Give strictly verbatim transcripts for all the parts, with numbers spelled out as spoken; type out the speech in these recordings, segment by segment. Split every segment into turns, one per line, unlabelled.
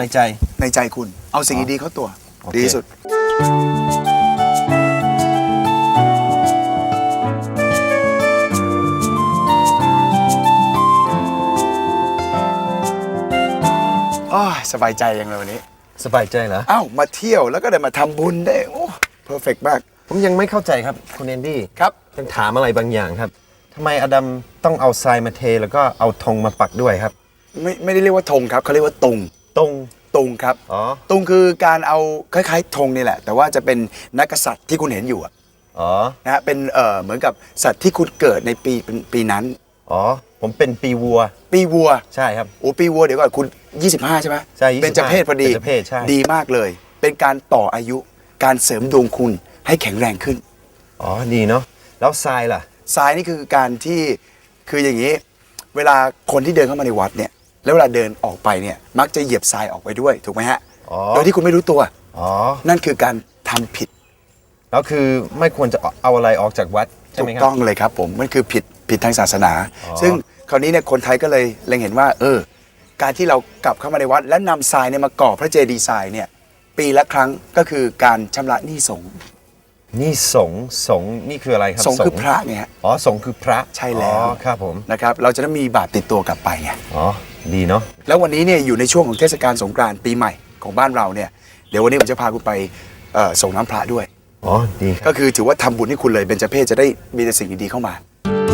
ในใจ
ในใจคุณเอาสิ่งดีๆเข้าตัวดีที่สุดอ๋อสบายใจยังเลยวันนี้
สบายใจเหรอ
อ้าวมาเที่ยวแล้วก็ได้มาทำบุญได้โอ้เพอร์เฟกต์มาก
ผมยังไม่เข้าใจครับคุณแอนดี้
ครับ
ยังถามอะไรบางอย่างครับทำไมอดัมต้องเอาทรายมาเทแล้วก็เอาธงมาปักด้วยครับ
ไม่ไม่ได้เรียกว่าธงครับเขาเรียกว่าตุง
ตุง
ตุงครับ
อ๋อ
ตุงคือการเอาคล้ายๆธงนี่แหละแต่ว่าจะเป็นนักกษัตริย์ที่คุณเห็นอยู่
อ๋อ
นะฮะเป็นเอ่อเหมือนกับสัตว์ที่คุณเกิดในปีเป็นปีนั้น
อ๋อผมเป็นปีวัว
ปีวัว
ใช่ครับ
โอ้ปีวัวเดี๋ยวก่อนคุณยี่สิบห้าใช่ไหม
ใช่
เป็นเจ้าเพศพอดี
เป็นเจ้าเพศใช่
ดีมากเลยเป็นการต่ออายุการเสริมดวงคุณให้แข็งแรงขึ้น
อ๋อดีเนาะแล้วทรายล่ะ
ทรายนี่คือการที่คืออย่างนี้เวลาคนที่เดินเข้ามาในวัดเนี่ยแล้วเวลาเดินออกไปเนี่ยมักจะเหยียบทรายออกไปด้วยถูกไหมฮะโดยที่คุณไม่รู้ตัว
อ๋อ
นั่นคือการทำผิด
แล้วคือไม่ควรจะเอาอะไรออกจากวัดใช่ไหมครับ
ถูกต้องเลยครับผมมันคือผิดผิดทางศาสนาซึ่งคราวนี้เนี่ยคนไทยก็เลยเล็งเห็นว่าเออการที่เรากลับเข้ามาในวัดและนำทรายเนี่ยมาก่อพระเจดีย์ทรายเนี่ยปีละครั้งก็คือการชำระหนี้สงฆ์
นี่สงฆ์สงฆ์นี่คืออะไรครับ
สงฆ์คือพระไงฮะ
อ๋อสงฆ์คือพระ
ใช่แล้ว
อ๋อครับผม
นะครับเราจะได้มีบาปติดตัวกลับไปไง
อ๋อดีเนาะ
แล้ววันนี้เนี่ยอยู่ในช่วงของเทศกาลสงกรานต์ปีใหม่ของบ้านเราเนี่ยเดี๋ยววันนี้ผมจะพาคุณไปส่งน้ำพระด้วย
อ๋อดี
ก็คือถือว่าทำบุญให้คุณเลยเบญจเพศจะได้มีแต่สิ่งดีๆเข้ามา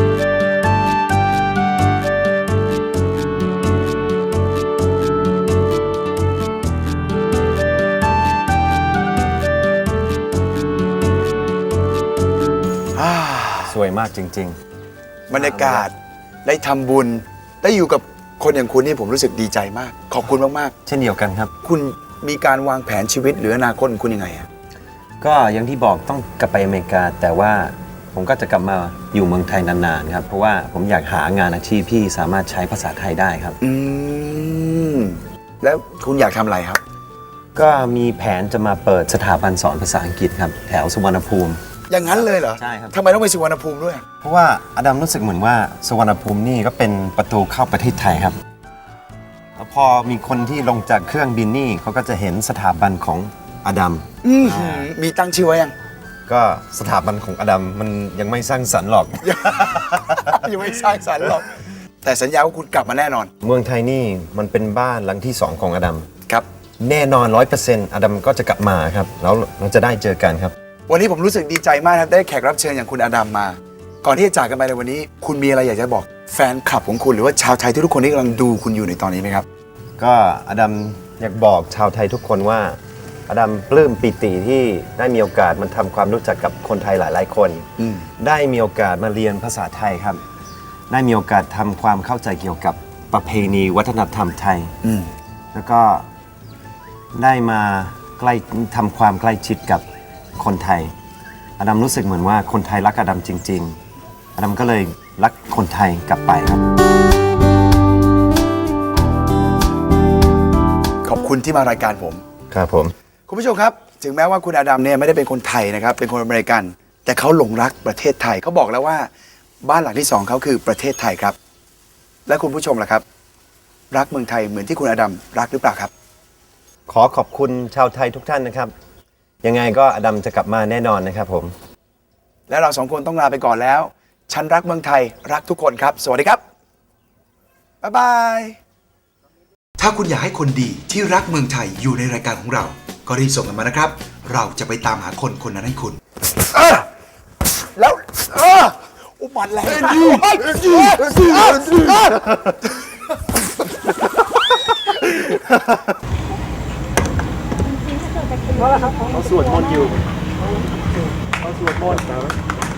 สวยมากจริง
ๆบรรยากาศได้ทำบุญได้อยู่กับคนอย่างคุณนี่ผมรู้สึกดีใจมากขอบคุณมาก
ๆเช่นเดียวกันครับ
คุณมีการวางแผนชีวิตหรืออนาคตของคุณยังไงอะ
ก็อย่างที่บอกต้องกลับไปอเมริกาแต่ว่าผมก็จะกลับมาอยู่เมืองไทยนานๆครับเพราะว่าผมอยากหางานอาชีพที่สามารถใช้ภาษาไทยได้ครับ
อืมแล้วคุณอยากทำอะไรครับ
ก็มีแผนจะมาเปิดสถาบันสอนภาษาอังกฤษครับแถวสุวรรณภูมิ
อย่างนั้นเลยเหรอ
ใช่ครับ
ทำไมต้องไปสุวรรณภูมิด้วย
เพราะว่าอดัมรู้สึกเหมือนว่าสุวรรณภูมินี่ก็เป็นประตูเข้าประเทศไทยครับแล้วพอมีคนที่ลงจากเครื่องบินนี่เขาก็จะเห็นสถาบันของอดัม
มีตั้งชื่อไว้ยัง
ก็สถาบันของอดัมมันยังไม่สร้างสรรค์หรอก
ยังไม่สร้างสรรค์หรอกแต่สัญญาว่าคุณกลับมาแน่นอน
เมืองไทยนี่มันเป็นบ้านหลังที่สองของอดัม
ครับ
แน่นอนร้อยเปอร์เซ็นต์อดัมก็จะกลับมาครับแล้วเราจะได้เจอกันครับ
วันนี้ผมรู้สึกดีใจมากครับได้แขกรับเชิญอย่างคุณอดัมมาก่อนที่จะจากกันไปในวันนี้คุณมีอะไรอยากจะบอกแฟนคลับของคุณหรือว่าชาวไทยทุกคนที่กำลังดูคุณอยู่ในตอนนี้ไหมครับ
ก็อดัมอยากบอกชาวไทยทุกคนว่าอดัมปลื้มปิติที่ได้มีโอกาสมาทำความรู้จักกับคนไทยหลายๆคนได้มีโอกาสมาเรียนภาษาไทยครับได้มีโอกาสทำความเข้าใจเกี่ยวกับประเพณีวัฒนธรรมไทยแล้วก็ได้มาใกล้ทำความใกล้ชิดกับคนไทยอดัมรู้สึกเหมือนว่าคนไทยรักอดัมจริงๆอดัมก็เลยรักคนไทยกลับไปครับ
ขอบคุณที่มารายการผม
ครับผม
คุณผู้ชมครับถึงแม้ว่าคุณอดัมเนี่ยไม่ได้เป็นคนไทยนะครับเป็นคนอเมริกันแต่เขาหลงรักประเทศไทยเขาบอกแล้วว่าบ้านหลังที่สองเขาคือประเทศไทยครับและคุณผู้ชมล่ะครับรักเมืองไทยเหมือนที่คุณอดัมรักหรือเปล่าครับ
ขอขอบคุณชาวไทยทุกท่านนะครับยังไงก็อดัมจะกลับมาแน่นอนนะครับผม
และเราสองคนต้องลาไปก่อนแล้วฉันรักเมืองไทยรักทุกคนครับสวัสดีครับบ๊ายบายถ้าคุณอยากให้คนดีที่รักเมืองไทยอยู่ในรายการของเราก็รีบส่งกันมานะครับเราจะไปตามหาคนคนนั้นให้คุณเออแล้วเอออุบัติแรงดีดี
เขาสวดมนต์อยู่เขาสวดมนต์นะ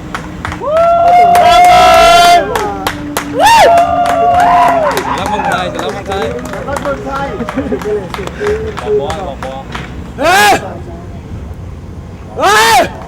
รักเมืองไทยรักเมืองไทยรักเมืองไทยบอกบอบอกบอเฮ้ยเฮ้ย